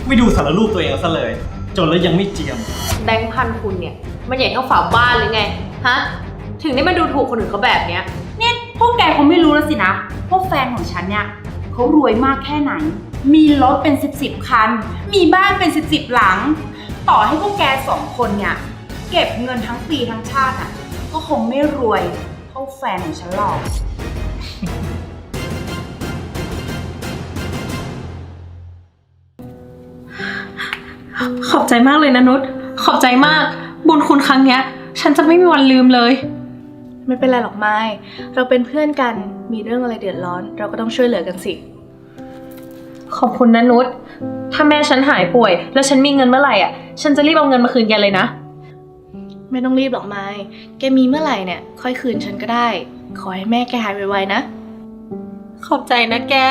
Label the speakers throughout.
Speaker 1: ไม่ดูสารรูปตัวเองซะเลยจนแล้วยังไม่เจียม
Speaker 2: แบงค์พันคุณเนี่ยมันใหญ่เท่าฝาบ้านหรือไงฮะถึงได้มาดูถูกคนอื่นเขาแบบเนี้ย
Speaker 3: เนี่ยพวกแกคงไม่รู้แล้วสินะพวกแฟนของฉันเนี่ยเขารวยมากแค่ไหนมีรถเป็น10คันมีบ้านเป็น10หลังต่อให้พวกแก2คนเนี่ยเก็บเงินทั้งปีทั้งชาติอ่ะก็คงไม่รวยเท่าแฟนของฉันหรอก
Speaker 2: ขอบใจมากเลยนะนุชขอบใจมากบุญคุณครั้งเนี้ยฉันจะไม่มีวันลืมเลย
Speaker 4: ไม่เป็นไรหรอกไม้เราเป็นเพื่อนกันมีเรื่องอะไรเดือดร้อนเราก็ต้องช่วยเหลือกันสิ
Speaker 2: ขอบคุณนะนุชถ้าแม่ฉันหายป่วยแล้วฉันมีเงินเมื่อไหร่อ่ะฉันจะรีบเอาเงินมาคืนแกเลยนะ
Speaker 4: ไม่ต้องรีบหรอกไม้แกมีเมื่อไหร่เนี่ยค่อยคืนฉันก็ได้ขอให้แม่แกหายไวๆนะ
Speaker 2: ขอบใจนะแก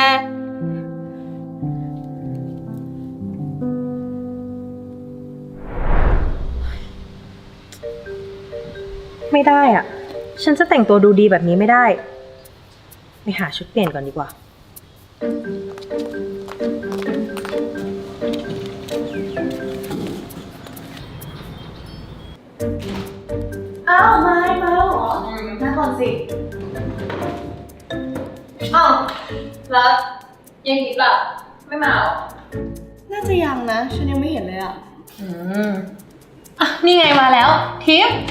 Speaker 2: ไม่ได้อ่ะฉันจะแต่งตัวดูดีแบบนี้ไม่ได้ไปหาชุดเปลี่ยนก่อนดีกว่า
Speaker 4: อ้าวไม้มาแล้วเหรอมาก่อนสิ
Speaker 2: อ้าวแล้วยังคิดแบบไม่มาหรอ
Speaker 4: น่าจะยังนะฉันยังไม่เห็นเลยอ่ะ
Speaker 2: อ่ะนี่ไงมาแล้วทิพย์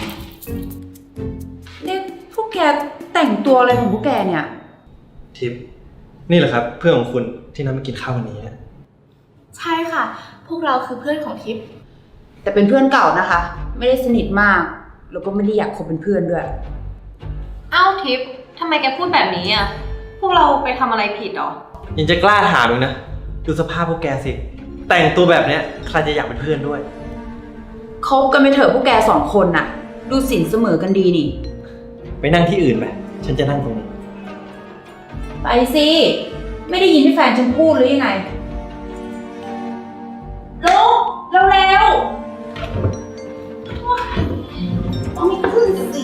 Speaker 3: เนี่ยพวกแกแต่งตัวอะไรของพวกแกเนี่ย
Speaker 1: ทิพย์นี่แหละครับเพื่อนของคุณที่นัดมากินข้าววันนี้
Speaker 4: ใช่ค่ะพวกเราคือเพื่อนของทิพย์
Speaker 3: แต่เป็นเพื่อนเก่านะคะไม่ได้สนิทมากแล้วก็ไม่ได้อยากคบเป็นเพื่อนด้วย
Speaker 2: เอ้าทิพย์ทำไมแกพูดแบบนี้อ่ะพวกเราไปทำอะไรผิดหรอ
Speaker 1: ยังจะกล้าถามอีกนะดูสภาพพวกแกสิแต่งตัวแบบเนี้ยใครจะอยากเป็นเพื่อนด้วย
Speaker 3: คบกันไปเถอะพวกแก2คนน่ะดูสินเสมอกันดีนี่
Speaker 1: ไปนั่งที่อื่นไปฉันจะนั่งตรงนี้
Speaker 3: ไปสิไม่ได้ยินที่แฟนฉันพูดหรือยังไงลุกเร็วต้องมีขึ้นสิ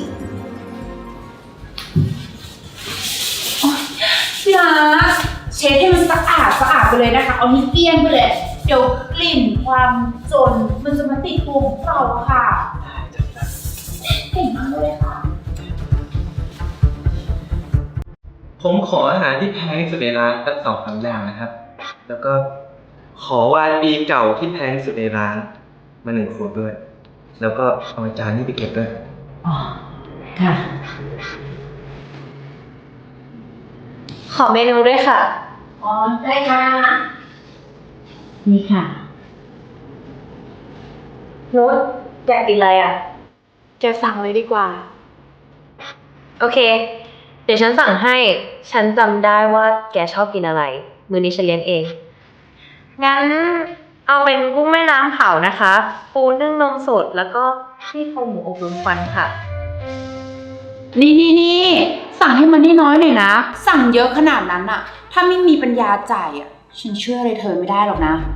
Speaker 3: พี่รักเช็ดให้มันสะอาดไปเลยนะคะเอาให้เกลี้ยงไปเลยเดี๋ยวกลิ่นความจนมันจะมาติดตัวของเราค่ะเก่งมากเลยค่ะ
Speaker 1: ผมขออาหารที่แพงที่สุดในร้านสัก2-3อย่างนะครับแล้วก็ขอวายปีเก่าที่แพงที่สุดในร้านมา1 ขวดด้วยแล้วก็เอาจานนี้ไปเก็บด้วย
Speaker 3: อ๋อค่ะ
Speaker 2: ขอเมนูด้วยค่ะ
Speaker 3: อ๋อได้ค่ะนี่ค่ะ
Speaker 2: นุชอยากกินอะไรอ่ะ
Speaker 4: แกสั่งเลยดีกว่า
Speaker 2: โอเคเดี๋ยวฉันสั่งให้ฉันจำได้ว่าแกชอบกินอะไรมื้อนี้ฉันเลี้ยงเองงั้นเอาเป็นกุ้งแม่น้ำเผานะคะปูนึ่งนมสดแล้วก็ซี่โครงหมูอบรมควันค่ะ
Speaker 3: นี่สั่งให้มันน้อยหน่อยนะสั่งเยอะขนาดนั้นอะถ้าไม่มีปัญญาจ่ายอะฉันเชื่อเลยเธอไม่ได้หรอกนะ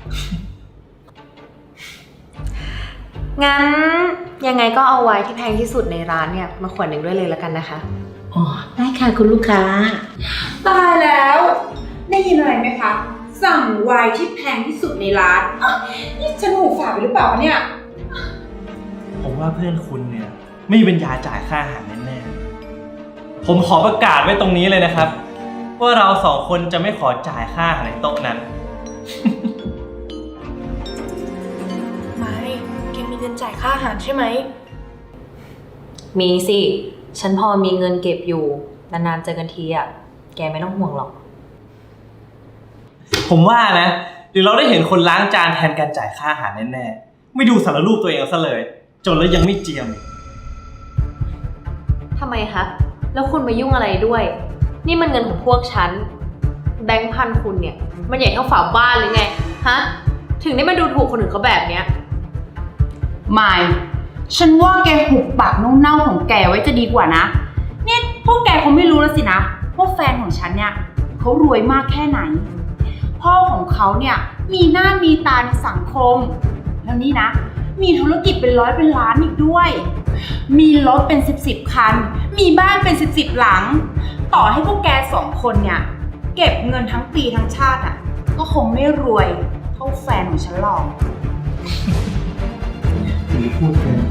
Speaker 2: งั้นยังไงก็เอาไว้ที่แพงที่สุดในร้านเนี่ยมาขวดหนึ่งด้วยเลยแล้วกันนะคะ
Speaker 3: อ๋อได้ค่ะคุณลูกค้าตายแล้วได้ยินอะไรไหมคะสั่งไวน์ที่แพงที่สุดในร้านนี่ฉันหูฝาดไปหรือเปล่าเนี่ย
Speaker 1: ผมว่าเพื่อนคุณเนี่ยไม่มีปัญญาจ่ายค่าอาหารแน่ๆผมขอประกาศไว้ตรงนี้เลยนะครับว่าเรา2 คนจะไม่ขอจ่ายค่าอาหารในโต๊ะนั้น
Speaker 4: ไม่แกมีเงินจ่ายค่าอาหารใช่ไหม
Speaker 2: มีสิฉันพอมีเงินเก็บอยู่นานๆเจอกันทีอ่ะแกไม่ต้องห่วงหรอก
Speaker 1: ผมว่านะเดี๋ยวเราได้เห็นคนล้างจานแทนการจ่ายค่าอาหารแน่ๆไม่ดูสารรูปตัวเองซะเลยจนแล้วยังไม่เจียม
Speaker 2: ทำไมคะแล้วคุณมายุ่งอะไรด้วยนี่มันเงินของพวกฉันแบงค์พันคุณเนี่ยมันใหญ่เท่าฝาบ้านหรือไงฮะถึงได้มาดูถูกคนอื่นเขาแบบเนี้ย
Speaker 3: ไม่ฉันว่าแกหุบปากเน่าๆของแกไว้จะดีกว่านะเนี่ยพวกแกคงไม่รู้แล้วสินะว่าแฟนของฉันเนี่ยเขารวยมากแค่ไหนพ่อของเขาเนี่ยมีหน้ามีตาในสังคมแล้วนี่นะมีธุรกิจเป็นร้อยเป็นล้านอีกด้วยมีรถเป็น10คันมีบ้านเป็น10หลังต่อให้พวกแก2คนเนี่ยเก็บเงินทั้งปีทั้งชาติอ่ะก็คงไม่รวยเท่าาแฟนของฉันหรอก
Speaker 1: ถึงพูดเกินไป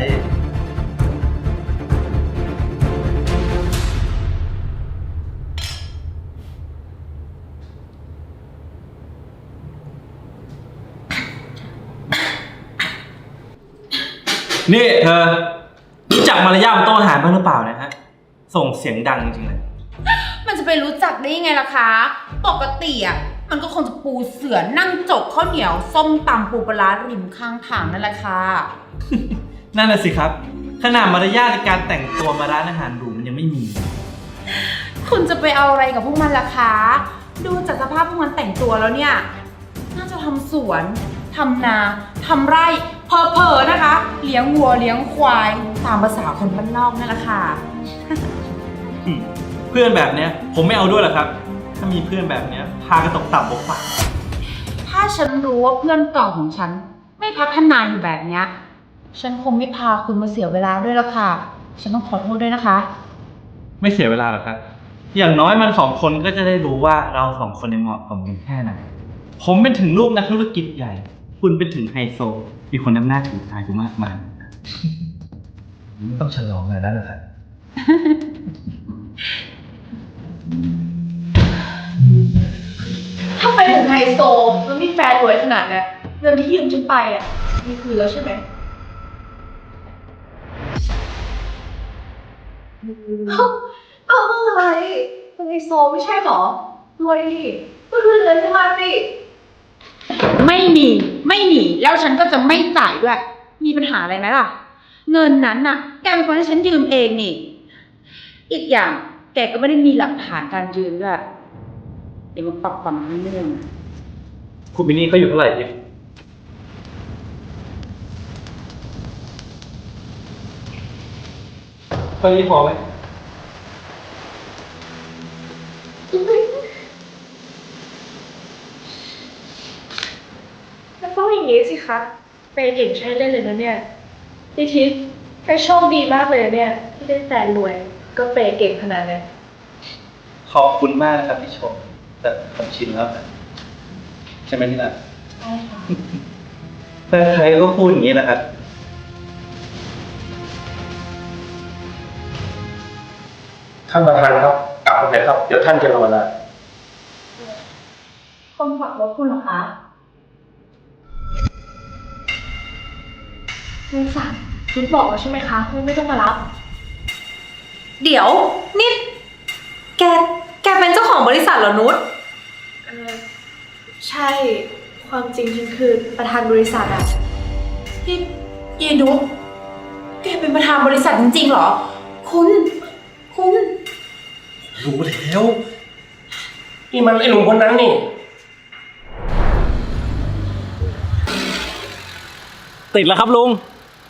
Speaker 1: นี่เธอ รู้จักมารยาทบนโต๊ะอาหารบ้างหรือเปล่านะฮะ ส่งเสียงดังจริงๆเลย
Speaker 3: มันจะไปรู้จักได้ยังไงล่ะคะ ปกติอ่ะมันก็คงจะปูเสือนั่งจกข้าวเหนียวส้มตำปูปลาร้าริมข้างทางนั่นแหละค่ะ
Speaker 1: นั่นแหละสิครับ ขนาดมารยาทในการแต่งตัวมาร้านอาหารหรูมันยังไม่มี
Speaker 3: คุณจะไปเอาอะไรกับพวกมันล่ะคะ ดูจากสภาพพวกมันแต่งตัวแล้วเนี่ย น่าจะทำสวนทำนาทำไร่เผลอๆนะคะ เลี้ยงวัวเลี้ยงควายตามภาษาคนบ้านนอกนั่นแหละค่ะ
Speaker 1: เพื่อนแบบเนี้ยผมไม่เอาด้วยหรอกครับ ถ้ามีเพื่อนแบบเนี้ยพากระตกต่ำบกปาก
Speaker 3: ถ้าฉันรู้ว่าเพื่อนเก่าของฉัน ไม่พัฒนาอยู่แบบเนี้ยฉันคงไม่พาคุณมาเสียเวลาด้วยละค่ะ ฉันต้องขอโทษด้วยนะคะ
Speaker 1: ไม่เสียเวลาหรอกครับ อย่างน้อยมันสองคนก็จะได้รู้ว่าเราสองคนยังเหมาะสมกันแค่ไหน ผมเป็นถึงลูกนักธุรกิจใหญ่ คุณเป็นถึงไฮโซ มีคนนำหน้าถือตาอยู่มากมาย ต้องฉลองอะไรแล้วเหรอครับ
Speaker 4: ถ้าไปถึงไฮโซแล้วมีแฟนรวยขนาดเนี้ยเงินที่ยืมฉันไปอ่ะมีคืนแล้วใช่ไหมเอาอะไรเป็นไฮโซไม่ใช่หรอรวยดิก็คืนเงินฉันมาสิ
Speaker 3: ไม่มีแล้วฉันก็จะไม่จ่ายด้วย มีปัญหาอะไรไหมล่ะ เงินนั้นน่ะ แกเป็นคนให้ฉันยืมเองนี่ อีกอย่างแกก็ไม่ได้มีหลักฐานการยืมด้วยเดี๋ยวมาปรับความเรื่อง
Speaker 1: คุณมินนี่เขาอยู่เท่าไหร่เนี่ยเท่านี้พอไหม
Speaker 4: แล้วต้องอย่างนี้สิคะเป็นเก่งใช้เล่นเลยนะเนี่ยพี่ทิพย์แกโชคดีมากเลยนะเนี่ยที่ได้แฟนรวยก็เปย์เก่งขนาดนี้
Speaker 1: ขอบคุณมากนะครับที่ชม แต่ผมชินแล้วนะใช่ไหมที่น่ะ
Speaker 4: ใช่ค่ะ
Speaker 1: ใครก็พูดอย่างนี้นะครับ
Speaker 5: ท่านประธานครับกลับไปเลยครับ เดี๋ยวท่านจะรอนาน
Speaker 4: คนขับรถคุณเหรอคะคุณสั่งคุณบอกแล้วใช่ไหมคะคุณไม่ต้องมารับ
Speaker 2: เดี๋ยว นี่แกเป็นเจ้าของบริษัทเหรอนุช
Speaker 4: ใช่ ความจริงฉันคือประธานบริษัทอะ
Speaker 3: พี่เยนุกแกเป็นประธานบริษัทจริงๆเหรอ คุณ
Speaker 5: รู้แล้ว นี่มันไอ้หนุ่มคนนั้นนี่
Speaker 1: ติดแล้วครับลุง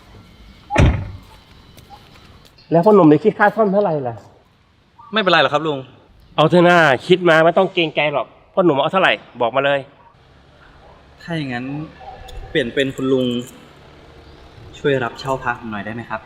Speaker 5: แล้วพ่อหนุ่มได้คิดค่าซ่อมเท่าไหร่ล่ะ
Speaker 1: ไม่เป็นไรหรอกครับลุง
Speaker 5: เอาเถอะหน้าคิดมาไม่ต้องเกรงใจหรอกพ่อหนุ่มเอาเท่าไหร่บอกมาเลย
Speaker 1: ถ้าอย่างนั้นเปลี่ยนเป็นคุณลุง ช่วยรับเช่าพักหน่อยได้ไหมครับ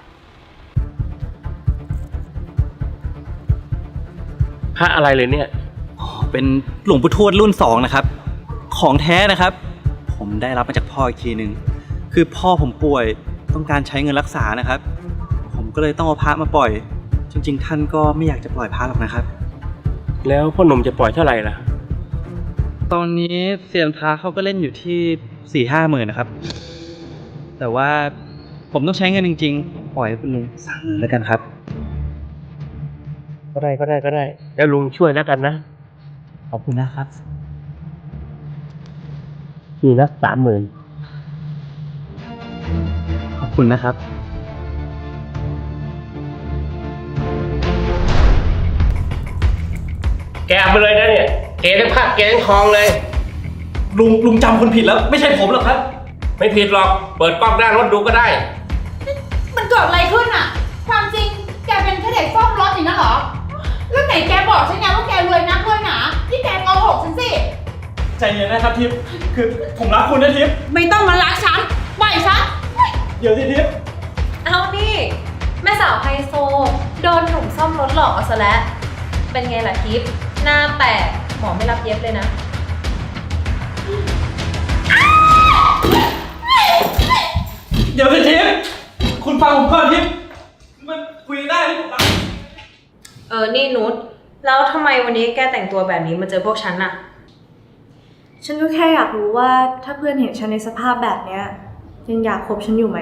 Speaker 5: พระอะไรเลยเนี่ย
Speaker 1: อ๋อ เป็นหลวงปู่ทวดรุ่น2นะครับ ของแท้นะครับ ผมได้รับมาจากพ่ออีกทีหนึ่ง คือพ่อผมป่วยต้องการใช้เงินรักษานะครับ ผมก็เลยต้องเอาพระมาปล่อย จริงๆ ท่านก็ไม่อยากจะปล่อยพระหรอกนะครับ
Speaker 5: แล้วพ่อหนุ่มจะปล่อยเท่าไหร่ล่ะ
Speaker 1: ตอนนี้เซียนพระเขาก็เล่นอยู่ที่ 4-5 หมื่นนะครับ แต่ว่าผมต้องใช้เงินจริงๆ ปล่อยให้คุณลุงสั่งแล้วกันครับ
Speaker 5: ก็ได้แล้วลุงช่วยแล้วกันนะ
Speaker 1: ขอบคุณนะครับ
Speaker 5: นี่นะ30,000
Speaker 1: ขอบคุณนะครับ
Speaker 5: แกเอาไปเลยนะเนี่ยเกทั้งผ้าเกทั้งทองเลย
Speaker 1: ลุงจำคนผิดแล้วไม่ใช่ผมหรอกครับ
Speaker 5: ไม่ผิดหรอก เปิดกล้องหน้ารถดูก็ได้
Speaker 3: มันเกิดอะไรขึ้นอะความจริงแกเป็นแค่เด็กซ่อมรถอย่างนั้นเหรอ แล้วไหนแกบอกฉันไงว่าแกรวยนักรวยหนาที่แกโกหกฉันสิ
Speaker 1: ใจเย็นนะครับทิพย์คือผมรักคุณนะทิพย์
Speaker 3: ไม่ต้องมารักฉันปล่อยฉัน
Speaker 1: เดี๋ยวสิทิพย์
Speaker 2: เอานี่แม่สาวไฮโซ โดนหนุ่มซ่อมรถหลอกเอาซะแล้ว เป็นไงล่ะทิพย์หน้าแปลกหมอไม่รับเย็บเลยนะนี่นุชแล้วทำไมวันนี้แกแต่งตัวแบบนี้มาเจอพวกฉันน่ะ
Speaker 4: ฉันก็แค่อยากรู้ว่าถ้าเพื่อนเห็นฉันในสภาพแบบเนี้ยยังอยากคบฉันอยู่ไหม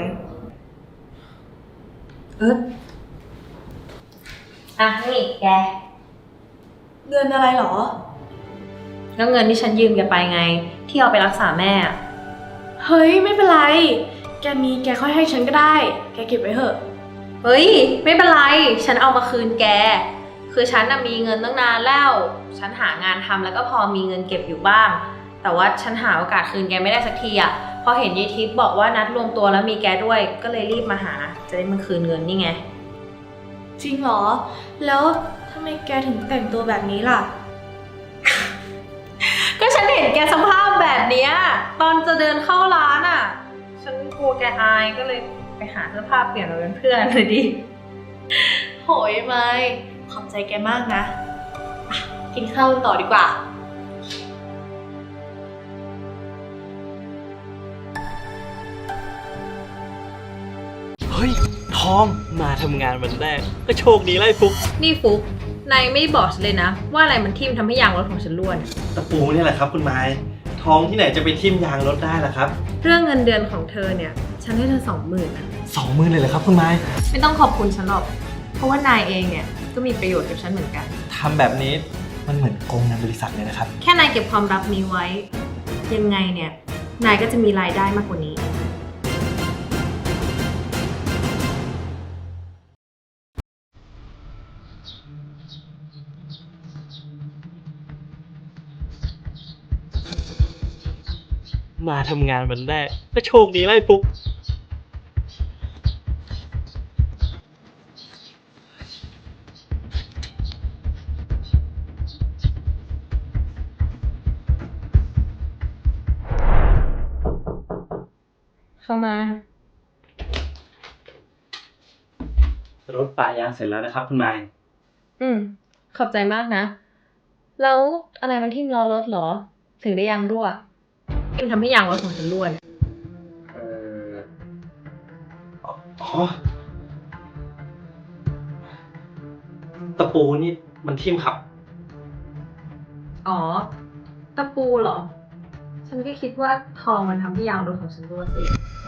Speaker 2: อ่ะนี่แก
Speaker 4: เงินอะไรหรอ
Speaker 2: แล้วเงินที่ฉันยืมแกไปไง ที่เอาไปรักษาแม่อะ
Speaker 4: เฮ้ยไม่เป็นไร แกมีแกค่อยให้ฉันก็ได้ แกเก็บไว้เถอะ
Speaker 2: เฮ้ยไม่เป็นไร ฉันเอามาคืนแก คือฉันน่ะมีเงินตั้งนานแล้ว ฉันหางานทำแล้วก็พอมีเงินเก็บอยู่บ้าง แต่ว่าฉันหาโอกาสคืนแกไม่ได้สักทีอะพอเห็นยายทิพย์บอกว่านัดรวมตัวแล้วมีแกด้วย ก็เลยรีบมาหา จะได้มาคืนเงินนี่ไง
Speaker 4: จริงเหรอ แล้วทำไมแกถึงแต่งตัวแบบนี้ล่ะ
Speaker 2: ก็ฉันเห็นแกสภาพแบบเนี้ยตอนจะเดินเข้าร้านอ่ะ ฉันกลัวแกอายก็เลยไปหาเสื้อผ้าเปลี่ยนมาเป็นเพื่อนเลยดิ
Speaker 4: โหยไม่ขอบใจแกมากนะอ่ะกินข้าวกันต่อดีกว่า
Speaker 1: เฮ้ย ทองมาทำงานวันแรกก็โชคดีไล่ฟุก
Speaker 2: นี่ฟุกนายไม่บอกฉันเลยนะ ว่าอะไรมันทิ่มทำให้ยางรถของฉันร่วน
Speaker 1: ตะปูนี่แหละครับคุณไม้ทองที่ไหนจะไปทิ่มยางรถได้ล่ะครับ
Speaker 2: เรื่องเงินเดือนของเธอเนี่ยฉันให้เธอ20,000นะ
Speaker 1: 20,000เลยเหรอครับคุณไม้
Speaker 2: ไม่ต้องขอบคุณฉันหรอก เพราะว่านายเองเนี่ยก็มีประโยชน์กับฉันเหมือนกัน
Speaker 1: ทำแบบนี้มันเหมือนโกงเงินบริษัทเลยนะครับ
Speaker 2: แค่นายเก็บความลับนี้ไว้ ยังไงเนี่ยนายก็จะมีรายได้มากกว่านี้
Speaker 1: มาทำงานวันแรกก็โชคดีไล่ฟุก
Speaker 2: เข้ามา
Speaker 1: รถป่ายางเสร็จแล้วนะครับคุณไม้
Speaker 2: ขอบใจมากนะ แล้วอะไรมันทิ่มล้อรถเหรอ ถึงได้ยางรั่วทิ่มทำให้ยางรถของฉันรั่วเนี่ย
Speaker 1: อ๋อ ตะปูนี่มันทิ่มครับ
Speaker 2: อ๋อ ตะปูเหรอ ฉันก็คิดว่าทองมันทำให้ยางรถของฉันรั่วสิ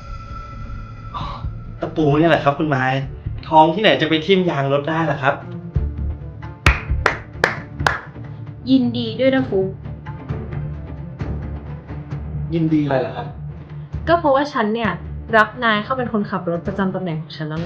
Speaker 1: ตะปูนี่แหละครับคุณไม้ทองที่ไหนจะไปทิ่มยางรถได้ล่ะครับ
Speaker 2: ยินดีด้วยนะฟุก
Speaker 1: ยินดีอะไรล่ะครับ
Speaker 2: ก็เพราะว่าฉันเนี่ยรับนายเข้าเป็นคนขับรถประจำตำแหน่งของฉันแล้วไง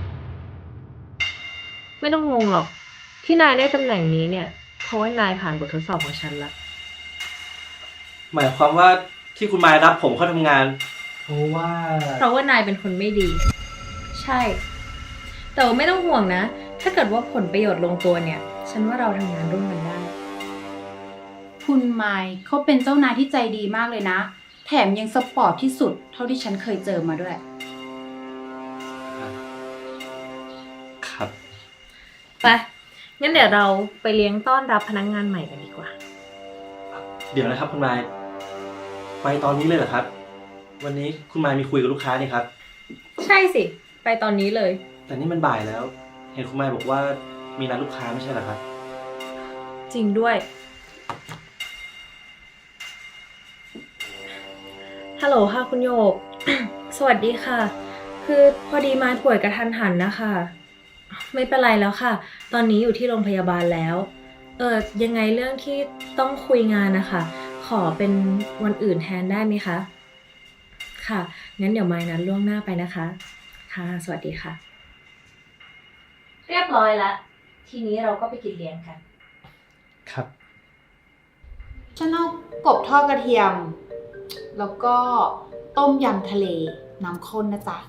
Speaker 2: ไม่ต้องงงหรอก ที่นายได้ตำแหน่งนี้เนี่ย เพราะว่านายผ่านบททดสอบของฉันละ
Speaker 1: หมายความว่าที่คุณไม้รับผมเข้าทำงาน เพราะว่า
Speaker 2: เพราะว่านายเป็นคนไม่ดี ใช่ แต่ว่าไม่ต้องห่วงนะ ถ้าเกิดว่าผลประโยชน์ลงตัวเนี่ย ฉันว่าเราทำงานร่วมกันได้
Speaker 3: คุณไมค์เขาเป็นเจ้านายที่ใจดีมากเลยนะ แถมยังสปอร์ตที่สุดเท่าที่ฉันเคยเจอมาด้วย
Speaker 1: ครับ
Speaker 2: ไป งั้นเดี๋ยวเราไปเลี้ยงต้อนรับพนักงานใหม่กันดีกว่า
Speaker 1: เดี๋ยวนะครับคุณไม้ไปตอนนี้เลยเหรอครับ วันนี้คุณไม้มีคุยกับลูกค้านี่ครับ
Speaker 2: ใช่สิ ไปตอนนี้เลย
Speaker 1: แต่นี่มันบ่ายแล้ว เห็นคุณไม้บอกว่ามีนัดลูกค้าไม่ใช่เหรอครับ
Speaker 2: จริงด้วย ฮัลโหลค่ะคุณโยก สวัสดีค่ะ คือพอดีมาป่วยกระทันหันนะคะ ไม่เป็นไรแล้วค่ะ ตอนนี้อยู่ที่โรงพยาบาลแล้ว ยังไงเรื่องที่ต้องคุยงานนะคะ ขอเป็นวันอื่นแทนได้ไหมคะ ค่ะ งั้นเดี๋ยวไม้นัดล่วงหน้าไปนะคะ ค่ะ สวัสดีค่ะ เรียบร้อยแล้ว ทีนี้เราก็ไปกินเลี้ยงกัน
Speaker 1: ครับ
Speaker 3: ฉันเอากบทอดกระเทียม แล้วก็ต้มยำทะเลน้ำข้นนะจ๊ะ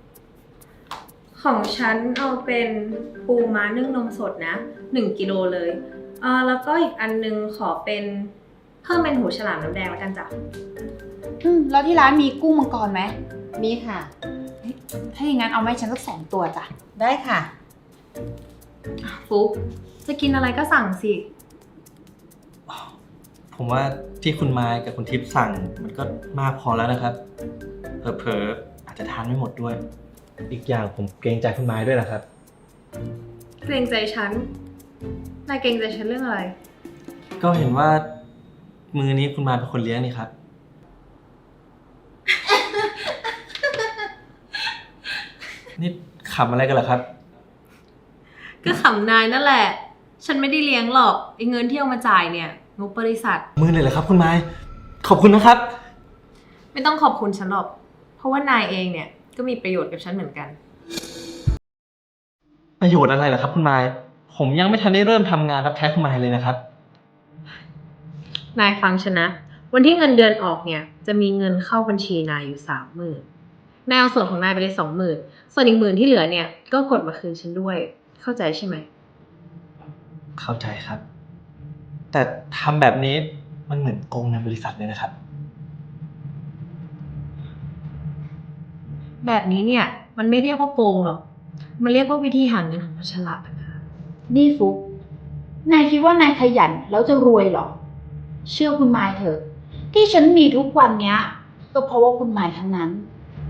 Speaker 2: ของฉันเอาเป็นปูม้านึ่งนมสดนะ1 กิโลเลยแล้วก็อีกอันนึงขอเป็นเพิ่มเป็นหูฉลามน้ำแดงแล้วกันจ้ะ
Speaker 3: แล้วที่ร้านมีกุ้งมังกรไหม
Speaker 6: มีค่ะ
Speaker 3: ถ้าอย่างนั้นเอามาให้ฉันสัก2 ตัวจ้ะ
Speaker 6: ได้ค่ะ
Speaker 2: ฟุกจะกินอะไรก็สั่งสิ
Speaker 1: ผมว่าที่คุณไม้กับคุณทิพย์สั่งมันก็มากพอแล้วนะครับ เผลอๆอาจจะทานไม่หมดด้วย อีกอย่างผมเกรงใจคุณไม้ด้วยนะครับ
Speaker 2: เกรงใจฉันนายเกรงใจฉันเรื่องอะไร
Speaker 1: ก็เห็นว่ามือนี้คุณมายเป็นคนเลี้ยงนี่ครับ นี่ขำอะไรกันเหรอครับ
Speaker 2: ก็ขำนายนั่นแหละ ฉันไม่ได้เลี้ยงหรอกไอ้เงินที่เอามาจ่ายเนี่ยงบบริษัท
Speaker 1: มือเลยเหรอครับคุณมาย ขอบคุณนะครับ
Speaker 2: ไม่ต้องขอบคุณฉันหรอก เพราะว่านายเองเนี่ยก็มีประโยชน์กับฉันเหมือนกัน
Speaker 1: ประโยชน์อะไรเหรอครับคุณมาย ผมยังไม่ทันได้เริ่มทำงานรับใช้คุณมายเลยนะครับ
Speaker 2: นายฟังฉันนะ วันที่เงินเดือนออกเนี่ยจะมีเงินเข้าบัญชีนายอยู่30,000นายเอาส่วนของนายไปเลย20,000ส่วนอีก10,000ที่เหลือเนี่ยก็กดมาคืนฉันด้วย เข้าใจใช่ไหม
Speaker 1: เข้าใจครับ แต่ทำแบบนี้มันเหมือนโกงเงินบริษัทเลยนะครับ
Speaker 2: แบบนี้เนี่ยมันไม่เรียกว่าโกงหรอก มันเรียกว่าวิธีหาเงินของคนฉลาดนะคะ
Speaker 3: นี่ฟุกนายคิดว่านายขยันแล้วจะรวยเหรอ เชื่อคุณมายเถอะ ที่ฉันมีทุกวันเนี้ย ก็เพราะว่าคุณมายทั้งนั้น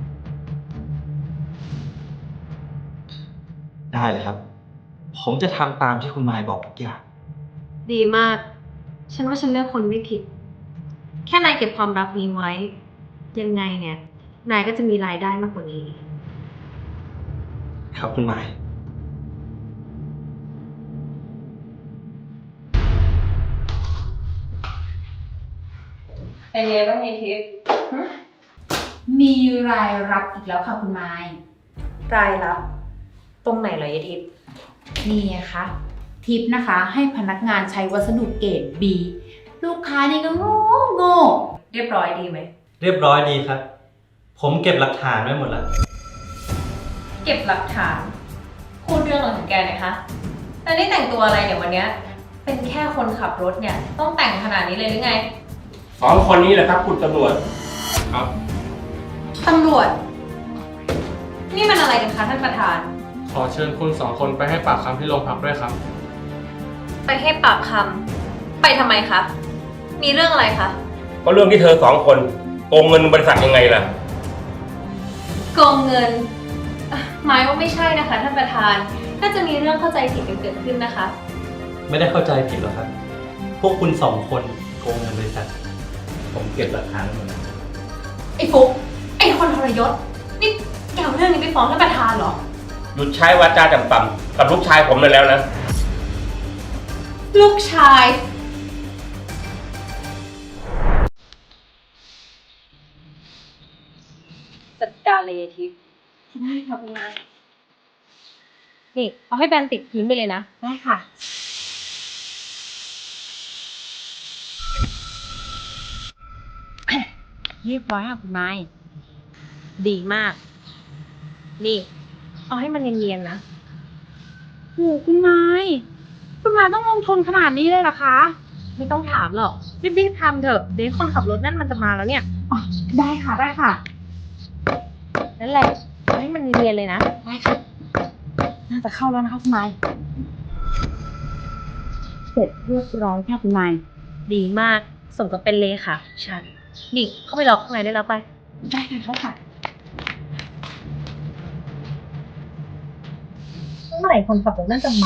Speaker 1: ได้เลยครับ ผมจะทำตามที่คุณมายบอกทุกอย่าง
Speaker 2: ดีมาก ฉันว่าฉันเลือกคนไม่ผิด แค่นายเก็บความลับนี้ไว้ ยังไงเนี่ย นายก็จะมีรายได้มากกว่านี้
Speaker 1: ครับคุณมาย
Speaker 2: เป็นไงบ้างไอทิพย์
Speaker 3: มีรายรับอีกแล้วค่ะคุณมาย
Speaker 2: รายรับ ตรงไหนเหรอไอทิพย์
Speaker 3: นี่ไงคะทิปนะคะ ให้พนักงานใช้วัสดุเกรด B ลูกค้านี่ก็โง่
Speaker 2: เรียบร้อยดีไหม
Speaker 1: เรียบร้อยดีครับ ผมเก็บหลักฐานไว้หมดแล้ว
Speaker 2: เก็บหลักฐาน พูดเรื่องอะไรของแกหน่อยคะแต่นี่แต่งตัวอะไรเนี่ยวันเนี้ย เป็นแค่คนขับรถเนี่ย ต้องแต่งขนาดนี้เลยหรือไง
Speaker 5: 2 คนนี้แหละครับคุณตำรวจครับ
Speaker 2: ตำรวจ นี่มันอะไรกันคะท่านประธาน
Speaker 6: ขอเชิญคุณ2 คนไปให้ปากคำที่โรงพักด้วยครับ
Speaker 2: ไปให้ปากคำไปทำไมคะ มีเรื่องอะไรคะ
Speaker 5: ก็เรื่องที่เธอ2 คนโกงเงินบริษัทยังไงล่ะ
Speaker 2: โกงเงินหมายว่าไม่ใช่นะคะท่านประธาน น่าจะมีเรื่องเข้าใจผิดกันเกิดขึ้นนะคะ
Speaker 1: ไม่ได้เข้าใจผิดหรอกครับ พวกคุณ2 คนโกงเงินบริษัท ผมเก็บหลักฐานไว้หมดแล้ว
Speaker 2: ไอ้ฟุกไอ้คนทรยศ นี่แกเอาเรื่องนี้ไปฟ้องท่านประธานเหรอ
Speaker 5: หยุดใช้วาจาต่ำๆกับลูกชายผมเลยแล้วนะ
Speaker 2: ลูกชาย จัดการเลยทิพย์ได้ค่ะคุณนายนี่ เอาให้แบนติดพื้นไปเลยนะ ได้ค่ะ
Speaker 3: เรียบร้อยค่ะคุณมาย
Speaker 2: ดีมาก นี่ เอาให้มันเนียนๆนะ
Speaker 3: โหคุณมายต้องลงทุนขนาดนี้เลยเหรอคะ
Speaker 2: ไม่ต้องถามหรอก รีบๆทำเถอะ เดี๋ยวคนขับรถนั่นมันจะมาแล้วเนี่ย
Speaker 3: ได้ค่ะได้ค่ะ
Speaker 2: นั่นแหละเอาให้มันเนียนๆเลยนะ
Speaker 3: ได้ค่ะ น่าจะเข้าแล้วนะคะคุณมาย เสร็จเรียบร้อยค่ะคุณมาย
Speaker 2: ดีมาก สมกับเป็นเลค่ะ ฉัน นี่ เข้าไปรอข้างในได้แล้วไป
Speaker 3: ได้ค่ะได้ค่ะ
Speaker 2: เมื่อไหร่คนขับรถน่าจะมา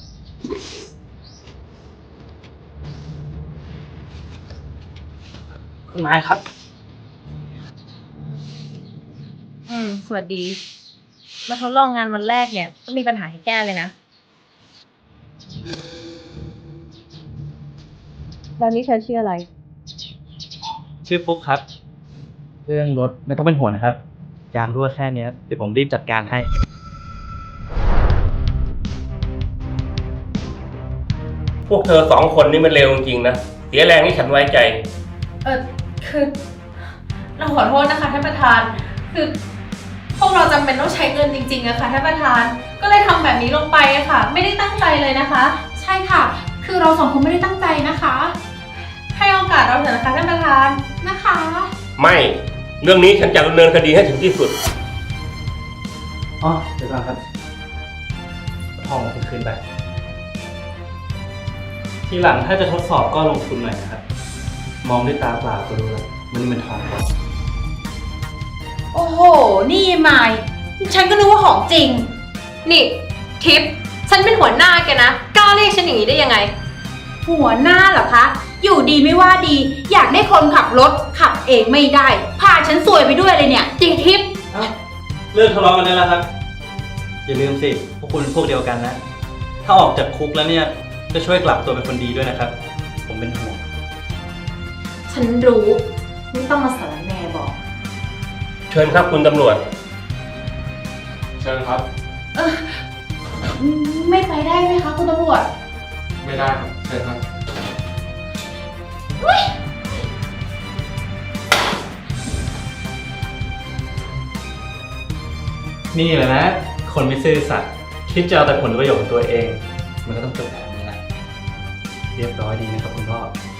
Speaker 1: คุณมายครับ
Speaker 2: สวัสดี มาทดลองงานวันแรกเนี่ยต้องมีปัญหาให้แก้เลยนะ แล้วนี่เธอชื่ออะไร
Speaker 1: ชื่อฟุ๊กครับ เรื่องรถไม่ต้องเป็นห่วงนะครับ ยางรั่วแค่เนี้ยเดี๋ยวผมรีบจัดการให้
Speaker 5: พวกเธอ2 คนนี่มันเลวจริงๆนะ เสียแรงที่ฉันไว้ใจ
Speaker 2: คือเราขอโทษนะคะท่านประธาน คือพวกเราจำเป็นต้องใช้เงินจริงๆอะค่ะท่านประธาน ก็เลยทำแบบนี้ลงไปอะค่ะ ไม่ได้ตั้งใจเลยนะคะ
Speaker 3: ใช่ค่ะ คือเรา2 คนไม่ได้ตั้งใจนะคะ
Speaker 2: ให้โอกาสเราเถอะนะคะท่านประธาน
Speaker 3: นะคะ
Speaker 5: ไม่ เรื่องนี้ฉันจะดำเนินคดีให้ถึงที่สุด
Speaker 1: อ๋อ เดี๋ยวก่อนครับทองคุณคืนไป ทีหลังถ้าจะทดสอบก็ลงทุนหน่อยนะครับ มองด้วยตาเปล่าก็รู้แล้วมันนี่มันทองปลอม
Speaker 3: โอ้โห นี่มาย ฉันก็นึกว่าของจริง
Speaker 2: นี่ทิป ฉันเป็นหัวหน้าแกนะ กล้าล้าเรียกฉันอย่างนี้ได้ยังไง
Speaker 3: หัวหน้าเหรอคะ อยู่ดีไม่ว่าดี อยากได้คนขับรถขับเองไม่ได้ พาฉันซวยไปด้วยเลยเนี่ย
Speaker 2: จริงทิพย์
Speaker 7: เลิกทะเลาะกันได้แล้วครับ อย่าลืมสิ พวกคุณพวกเดียวกันนะ ถ้าออกจากคุกแล้วเนี่ย ก็ช่วยกลับตัวเป็นคนดีด้วยนะครับ ผมเป็นห่วง
Speaker 3: ฉันรู้ ไม่ต้องมาสารแหน่บอก
Speaker 5: เชิญครับคุณตำรวจ
Speaker 6: เชิญครับ
Speaker 3: ไม่ไปได้ไหมคะคุณตำรวจ
Speaker 6: ไม่ได้ครับ เชิญครับ
Speaker 7: นี่แหละนะ คนไม่ซื่อสัตย์คิดจะเอาแต่ผลประโยชน์ของตัวเอง มันก็ต้องจบแบบนี้แหละ เรียบร้อยดีนะครับคุณพ่อ